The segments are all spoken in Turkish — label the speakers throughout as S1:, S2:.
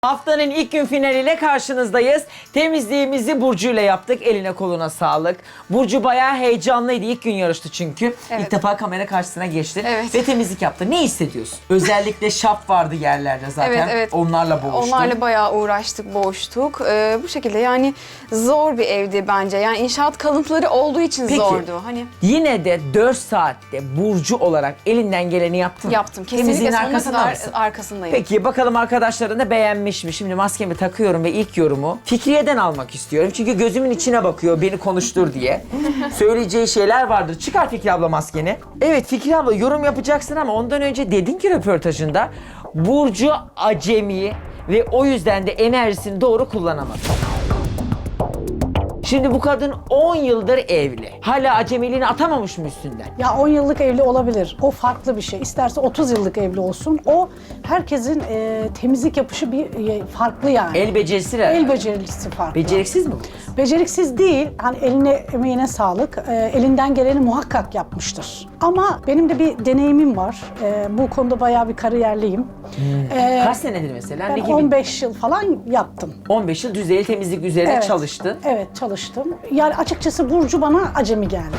S1: Haftanın ilk gün finaliyle karşınızdayız. Temizliğimizi Burcu ile yaptık. Eline koluna sağlık. Burcu bayağı heyecanlıydı. İlk gün yarıştı çünkü.
S2: Evet.
S1: İlk defa kamera karşısına geçti.
S2: Evet.
S1: Ve temizlik yaptı. Ne hissediyorsun? Özellikle şap vardı yerlerde zaten.
S2: Evet, evet.
S1: Onlarla boğuştun.
S2: Onlarla bayağı uğraştık, boğuştuk. Bu şekilde yani zor bir evdi bence. Yani inşaat kalıntıları olduğu için
S1: Peki,
S2: zordu. Hani
S1: yine de 4 saatte Burcu olarak elinden geleni yaptın.
S2: yaptım.
S1: Temizliğin
S2: Kesinlikle sonuna
S1: arkasında
S2: kadar
S1: mısın?
S2: arkasındayım.
S1: Peki bakalım arkadaşların da beğenmiş mi? Şimdi maskemi takıyorum ve ilk yorumu Fikriye'den almak istiyorum. Çünkü gözümün içine bakıyor beni konuştur diye. Söyleyeceği şeyler vardır. Çıkar Fikri abla maskeni. Evet Fikri abla yorum yapacaksın ama ondan önce dedin ki röportajında Burcu acemi ve o yüzden de enerjisini doğru kullanamadı. Şimdi bu kadın 10 yıldır evli. Hala acemiliğini atamamış mı üstünden?
S3: Ya 10 yıllık evli olabilir. O farklı bir şey. İsterse 30 yıllık evli olsun. O herkesin temizlik yapışı farklı yani.
S1: El becerisi herhalde.
S3: El becerisi farklı.
S1: Beceriksiz mi bu kız?
S3: Beceriksiz değil. Hani eline emeğine sağlık. Elinden geleni muhakkak yapmıştır. Ama benim de bir deneyimim var. Bu konuda bayağı bir kariyerliyim.
S1: Kaç senedir mesela?
S3: Ben
S1: Ne gibi?
S3: 15 yıl falan yaptım.
S1: 15 yıl düzeyli temizlik üzerine
S3: Evet.
S1: çalıştın.
S3: Evet çalıştım. Yani açıkçası Burcu bana acemi geldi.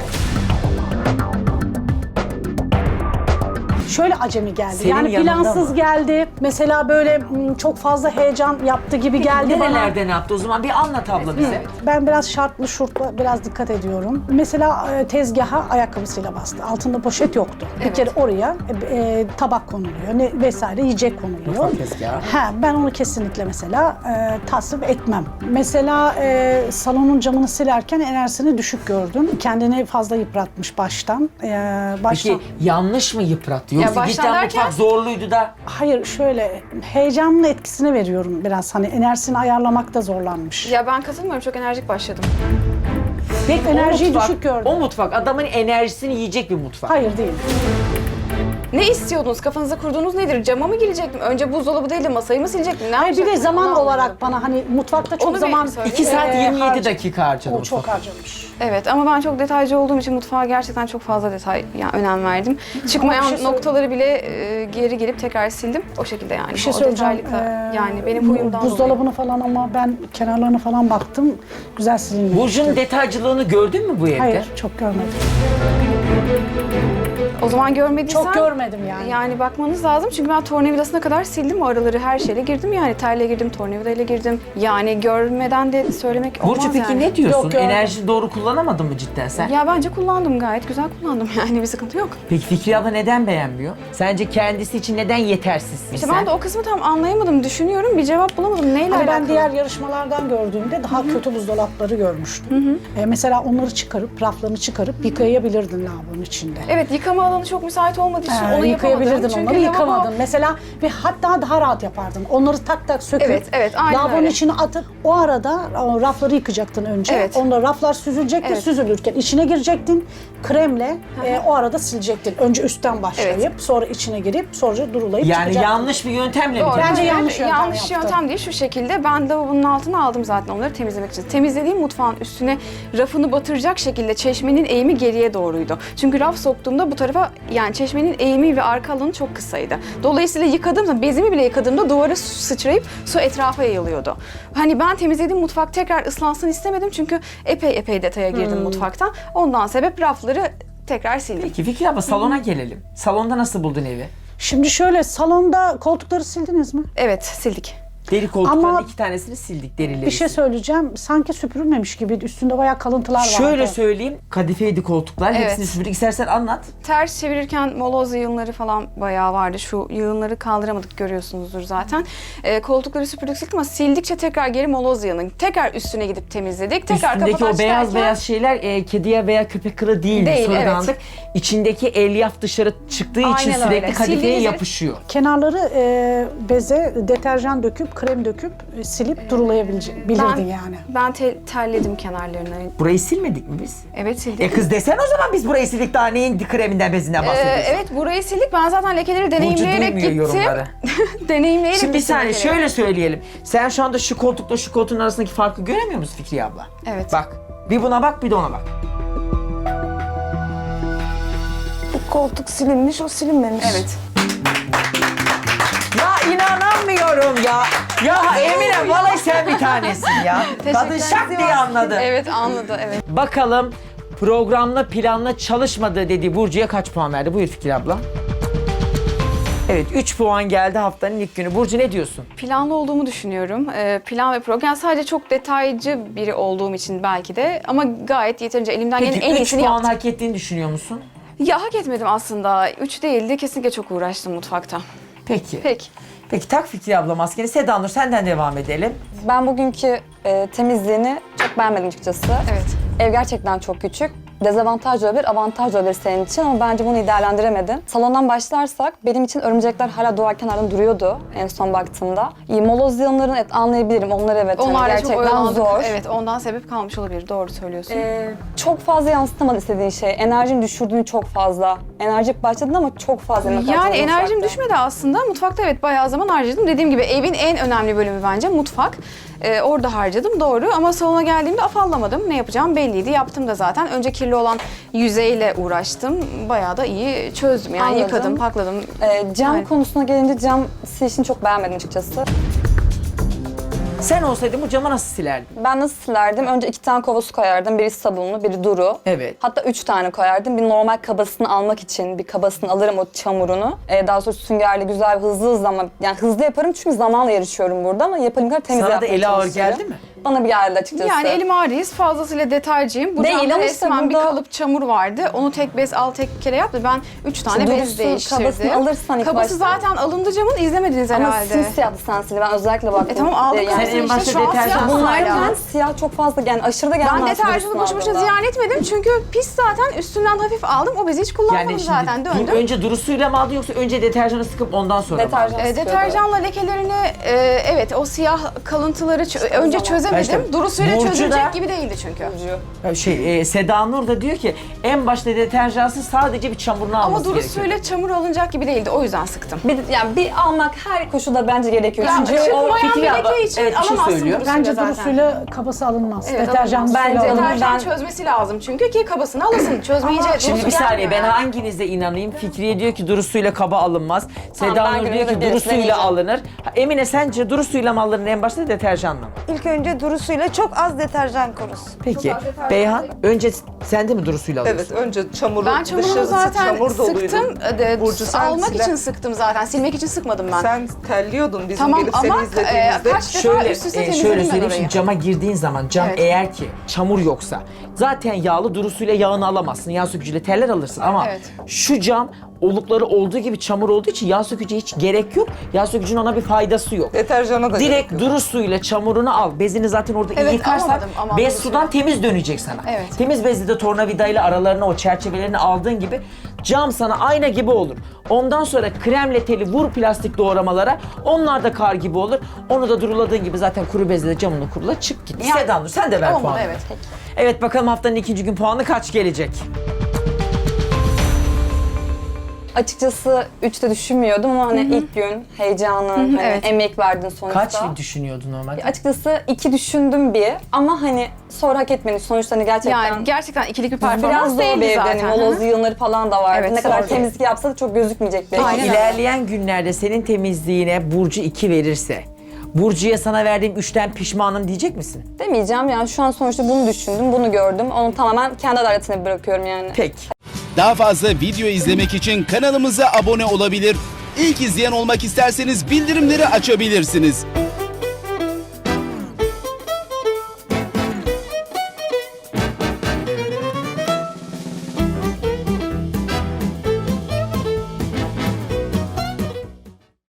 S3: Şöyle acemi geldi.
S1: Senin
S3: yani
S1: yanında
S3: plansız
S1: mı?
S3: geldi. Mesela böyle çok fazla heyecan yaptı gibi geldi bana.
S1: Nerelerde ne yaptı o zaman? Bir anlat abla bize.
S3: Ben biraz şartlı şurtla biraz dikkat ediyorum. Mesela tezgaha ayakkabısıyla bastı. Altında poşet yoktu. Bir kere oraya tabak konuluyor vesaire yiyecek konuluyor.
S1: Mutfak tezgahı.
S3: Ben onu kesinlikle mesela tasvip etmem. Mesela salonun camını silerken enerjisini düşük gördüm. Kendini fazla yıpratmış baştan.
S1: Peki yanlış mı yıprattı? Yoksa
S2: baştan
S1: cidden
S2: derken-
S1: mutfak zorluydu da.
S3: Hayır şöyle heyecanın etkisini veriyorum biraz. Hani enerjisini ayarlamakta zorlanmış.
S2: Ya ben katılmıyorum. Çok enerjik başladım.
S1: Peki
S3: Enerjiyi düşük gördüm.
S1: O mutfak adamın enerjisini yiyecek bir mutfak.
S3: Hayır değil.
S2: Ne istiyordunuz? Kafanıza kurduğunuz nedir? Cama mı girecektim? Önce buzdolabı değil de masayı mı silecektim? Ne
S3: Hayır bir de
S2: yapacaktım?
S3: zaman
S2: Onu anlamadım.
S3: olarak bana hani mutfakta çok
S2: Onu bir
S3: zaman...
S2: söyle.
S1: 2 saat 27
S3: harca-
S1: dakika harcadı
S3: O çok
S1: mutfak.
S3: harcamış.
S2: Evet ama ben çok detaycı olduğum için mutfağa gerçekten çok fazla önem verdim. Çıkmayan
S3: Ama bir şey
S2: noktaları bile geri gelip tekrar sildim. O şekilde yani.
S3: Bir şey
S2: O
S3: söyleyeceğim.
S2: detaylıkla, yani benim huyumdan
S3: Buzdolabını falan ama ben kenarlarına falan baktım. Güzel silinmiş.
S1: Burcu'nun detaycılığını gördün mü bu evde?
S3: Hayır çok görmedim.
S2: O zaman görmediysen...
S3: Çok görmedim yani.
S2: Yani bakmanız lazım çünkü ben tornavidasına kadar sildim o araları her şeyle girdim yani telle girdim, tornavidayla girdim. Yani görmeden de söylemek olmaz
S1: Burcu peki
S2: yani.
S1: ne diyorsun?
S3: Yok, gördüm.
S1: Enerjini doğru kullanamadın mı cidden sen?
S2: Ya bence kullandım gayet güzel kullandım yani bir sıkıntı yok.
S1: Peki Fikri abla neden beğenmiyor? Sence kendisi için neden yetersizsin
S2: İşte
S1: sen?
S2: ben de o kısmı tam anlayamadım, düşünüyorum bir cevap bulamadım. Neyle
S3: Hani
S2: alakalı?
S3: ben diğer yarışmalardan gördüğümde daha kötü buzdolapları görmüştüm. Mesela onları çıkarıp, raflarını çıkarıp yıkayabilirdin lavabonun içinde.
S2: Evet yıkama alanı çok müsait olmadığı için onu yapamadım.
S3: Yıkayabilirdin
S2: Çünkü
S3: onları,
S2: lavabo-
S3: yıkamadın. Mesela ve hatta daha rahat yapardın. Onları tak tak söküp
S2: Evet, aynen
S3: lavabonun
S2: öyle.
S3: içine atıp o arada o rafları yıkacaktın önce.
S2: Evet.
S3: Onda raflar süzülecekti,
S2: Evet.
S3: süzülürken içine girecektin. Kremle o arada silecektin. Önce üstten başlayıp sonra içine girip sonra durulayıp
S1: Yani
S3: çıkacaktın.
S1: yanlış bir yöntemle mi?
S2: Doğru.
S1: temizledin?
S3: Bence yanlış yöntem
S2: Yanlış
S3: yaptı.
S2: yöntem değil şu şekilde. Ben lavabonun altına aldım zaten onları temizlemek için. Temizlediğim mutfağın üstüne rafını batıracak şekilde çeşmenin eğimi geriye doğruydu. Çünkü raf soktuğumda bu tarafa yani çeşmenin eğimi ve arka alanı çok kısaydı. Dolayısıyla yıkadığımda bezimi bile yıkadığımda duvara su sıçrayıp su etrafa yayılıyordu. Hani ben temizlediğim mutfak tekrar ıslansın istemedim çünkü epey detaya girdim mutfaktan. Ondan sebep rafları tekrar sildim.
S1: Peki Fikri abla salona gelelim. Salonda nasıl buldun evi?
S3: Şimdi şöyle salonda koltukları sildiniz mi?
S2: Evet sildik.
S1: Deri koltukların
S3: Ama
S1: 2 tanesini sildik derileri.
S3: Bir şey söyleyeceğim. Sanki süpürülmemiş gibiydi. Üstünde bayağı kalıntılar vardı.
S1: Şöyle söyleyeyim, kadifeydi koltuklar.
S2: Evet.
S1: Hepsini süpürdük. İstersen anlat.
S2: Ters çevirirken moloz yığınları falan bayağı vardı. Şu yığınları kaldıramadık görüyorsunuzdur zaten. Koltukları süpürdük sildik ama sildikçe tekrar geri moloz yığının. Tekrar üstüne gidip temizledik. Tekrar
S1: Üstündeki
S2: kapataç
S1: o beyaz
S2: derken-
S1: beyaz şeyler kediye veya köpek kılı değil.
S2: Değil,
S1: Sonradanlık. İçindeki elyaf dışarı çıktığı için
S2: Aynen
S1: sürekli
S2: öyle.
S1: kadifeye
S2: Sildiğiniz-
S1: yapışıyor.
S3: Kenarları beze deterjan döküp, krem döküp silip durulayabilirdin yani.
S2: Ben terledim kenarlarını.
S1: Burayı silmedik mi biz?
S2: Evet sildik.
S1: Kız desen o zaman biz burayı sildik daha neyin kreminden bezinden bahsediyorsun?
S2: Evet burayı sildik. Ben zaten lekeleri
S1: Burcu
S2: deneyimleyerek
S1: duymuyor
S2: gittim.
S1: yorumları.
S2: Deneyimleyerek
S1: Şimdi bir
S2: gittim
S1: saniye
S2: lekeleri.
S1: şöyle söyleyelim. Sen şu anda şu koltukla şu koltuğun arasındaki farkı göremiyor musun Fikriye abla?
S2: Evet.
S1: Bak bir buna bak bir de ona bak.
S4: Bu koltuk silinmiş, o silinmemiş.
S2: Evet.
S1: Ya İnanamıyorum ya. Ya Emine vallahi sen bir tanesin ya. Kadın şak diye anladı.
S2: Evet anladı evet.
S1: Bakalım programla planla çalışmadığı dediği Burcu'ya kaç puan verdi? Buyur Fikri abla. Evet 3 puan geldi haftanın ilk günü. Burcu ne diyorsun?
S2: Planlı olduğumu düşünüyorum. Plan ve program. Yani sadece çok detaycı biri olduğum için belki de ama gayet yeterince elimden gelen en
S1: Peki 3
S2: iyisini
S1: puan
S2: yaptım.
S1: hak ettiğini düşünüyor musun?
S2: Ya hak etmedim aslında. 3 değildi. Kesinlikle çok uğraştım mutfakta.
S1: Peki.
S2: Peki.
S1: Peki tak Fikri abla maskeni. Seda Nur senden devam edelim.
S4: Ben bugünkü temizliğini çok beğenmedim açıkçası.
S2: Evet.
S4: Ev gerçekten çok küçük. Dezavantaj olabilir, avantaj olabilir senin için ama bence bunu iyi değerlendiremedin. Salondan başlarsak benim için örümcekler hala duvar kenarında duruyordu en son baktığımda. Moloz yığınlarını anlayabilirim. Onlar evet hani
S2: Onlarla çok
S4: gerçekten
S2: oyalandık.
S4: zor.
S2: Evet ondan sebep kalmış olabilir. Doğru söylüyorsun.
S4: Çok fazla yansıtamadı istediğin şey. Enerjini düşürdüğün çok fazla. Enerjik başladın ama çok fazla emek
S2: Yani
S4: harcadın
S2: enerjim
S4: mutfakta.
S2: düşmedi aslında. Mutfakta evet bayağı zaman harcadım. Dediğim gibi evin en önemli bölümü bence mutfak. Orada harcadım doğru ama salona geldiğimde afallamadım. Ne yapacağım belliydi. Yaptım da zaten. Önce kirli olan yüzeyle uğraştım. Bayağı da iyi çözdüm. Yani
S4: Anladım.
S2: yıkadım, pakladım.
S4: Cam
S2: Aynen.
S4: konusuna gelince cam silişini çok beğenmedim açıkçası.
S1: Sen olsaydın bu camı nasıl silerdin?
S4: Ben nasıl silerdim? Önce 2 tane kova su koyardım. Biri sabunlu, biri duru.
S1: Evet.
S4: Hatta 3 tane koyardım. Bir normal kabasını almak için bir kabasını alırım o çamurunu. Daha sonra süngerle güzel hızlı ama yani hızlı yaparım çünkü zamanla yarışıyorum burada ama yaparım kadar temiz
S1: Sana da
S4: yapmaya
S1: eli ağır
S4: çalışıyorum.
S1: geldi mi?
S4: Bana bir geldi açıkçası.
S2: Yani elim ağrıyız, fazlasıyla detaycıyım. Bu
S4: Değil
S2: camda
S4: ama işte
S2: resmen bir
S4: burada-
S2: kalıp çamur vardı. Onu tek bez al tek kere yaptı. Ben 3 tane
S4: İşte
S2: bez
S4: durusu,
S2: değiştirdim.
S4: kabasını alırsan ilk
S2: Kabası
S4: başta.
S2: zaten alındı camın, izlemediniz
S4: Ama
S2: herhalde.
S4: simsiyahtı sen sil. Ben özellikle baktım.
S2: Tamam aldık
S4: Yani
S1: Sen en
S2: işte,
S1: başta
S2: şu an
S1: deterjan-
S2: siyah
S4: bunlar
S2: hala.
S4: ben siyah çok fazla yani aşırı da gelmez.
S2: Ben deterjanı boşu boşuna ziyan etmedim çünkü pis zaten üstünden hafif aldım. O bezi hiç kullanmadım
S1: Yani
S2: zaten
S1: şimdi
S2: döndüm.
S1: önce duru suyla mı aldın yoksa önce deterjanı sıkıp ondan sonra mı aldın?
S4: Deterjan sıkıyordu.
S2: Deterjanla lekelerini evet o siyah kalıntıları önce
S4: zaman.
S2: çözemedim.
S1: İşte
S2: Duru suyla
S1: Burcu
S2: çözülecek
S1: da-
S2: gibi değildi çünkü.
S1: Seda Nur da diyor ki en başta deterjansız sadece bir çamurunu alması
S2: Ama duru
S1: gerekiyor.
S2: suyla çamur alınacak gibi değildi. O yüzden sıktım.
S4: Yani bir almak her koşulda bence gerekiyor.
S2: Ya
S4: Çünkü o
S2: çıkmayan
S1: Fikri
S2: bir
S1: abla,
S2: leke için
S1: evet, bir şey
S2: alamazsın
S1: söylüyor.
S2: duru suyla
S3: Bence
S2: zaten.
S3: durusuyla kabası alınmaz.
S2: Evet,
S3: Deterjan
S2: alamaz.
S3: suyla
S4: Bence
S3: alınır.
S2: Deterjan
S4: Ben-
S2: çözmesi lazım çünkü ki kabasını alasın. Çözmeyince duru
S1: Şimdi
S2: su
S1: bir saniye ben
S2: gelmiyor yani.
S1: hanginize inanayım? Fikriye diyor ki duru suyla kaba alınmaz. Seda
S4: ben
S1: Nur diyor
S4: günümde
S1: ki duru
S4: birisine
S1: suyla
S4: diyeceğim.
S1: alınır. Emine sence duru suyla mı alınır en başta deterjanla mı?
S5: İlk önce duru suyla çok az deterjan korusun.
S1: Peki Beyhan önce sen de mi duru suyla alıyorsun?
S6: Evet, önce çamuru,
S2: Ben çamurunu
S6: dışarısı
S2: zaten
S6: çamur doluydu.
S2: sıktım.
S6: Burcu, sen
S2: Almak
S6: siler-
S2: için sıktım zaten. Silmek için sıkmadım ben.
S6: Sen terliyordun bizim
S2: Tamam
S6: gelip
S2: ama
S6: seni izlediğimizde.
S2: kaç defa
S1: Şöyle,
S2: üst üste
S1: şöyle
S2: temizledim ben
S1: söyleyeyim
S2: orayı.
S1: şimdi cama girdiğin zaman cam
S2: Evet.
S1: eğer ki çamur yoksa zaten yağlı duru suyla yağını alamazsın. Yağ sökücüyle teller alırsın ama
S2: Evet.
S1: şu cam olukları olduğu gibi çamur olduğu için yağ sökücüye hiç gerek yok. Yağ sökücünün ona bir faydası yok.
S6: Deterjana da
S1: Direkt
S6: gerek yok.
S1: duru suyla çamurunu al. Bezini zaten orada iyi
S2: Evet,
S1: yıkarsan
S2: alamadım,
S1: bez
S2: duru
S1: sudan
S2: suyla.
S1: temiz dönecek sana.
S2: Evet.
S1: Temiz bezli de tornavidayla aralarına o çerçevelerini aldığın gibi cam sana ayna gibi olur. Ondan sonra kremle teli vur plastik doğramalara. Onlar da kar gibi olur. Onu da duruladığın gibi zaten kuru bezle de camını kurula çık git.
S2: Yani-
S1: Seda Nur sen de ver
S2: Olmadı,
S1: puanı.
S2: evet.
S1: Evet bakalım haftanın ikinci gün puanı kaç gelecek?
S4: açıkçası 3'te düşünmüyordum ama hani ilk gün heyecanın, hani
S2: evet.
S4: emek verdin sonuçta.
S1: Kaç düşünüyordun normalde?
S4: Açıkçası 2 düşündüm bir ama hani sonra hak etmedi. Sonuçta hani gerçekten
S2: Yani gerçekten ikilik bir
S4: biraz
S2: performans
S4: zor
S2: değildi
S4: bir evde.
S2: zaten.
S4: Hani moloz yığınları falan da vardı.
S2: Evet,
S4: ne kadar
S2: zor.
S4: temizlik yapsa da çok gözükmeyecek bir ev.
S2: Aynen öyle.
S1: İlerleyen günlerde senin temizliğine Burcu 2 verirse Burcu'ya sana verdiğim 3'ten pişmanım diyecek misin?
S4: Demeyeceğim yani şu an sonuçta bunu düşündüm, bunu gördüm. Onu tamamen kendi adaletine bırakıyorum yani.
S1: Peki.
S7: Daha fazla video izlemek için kanalımıza abone olabilir. İlk izleyen olmak isterseniz bildirimleri açabilirsiniz.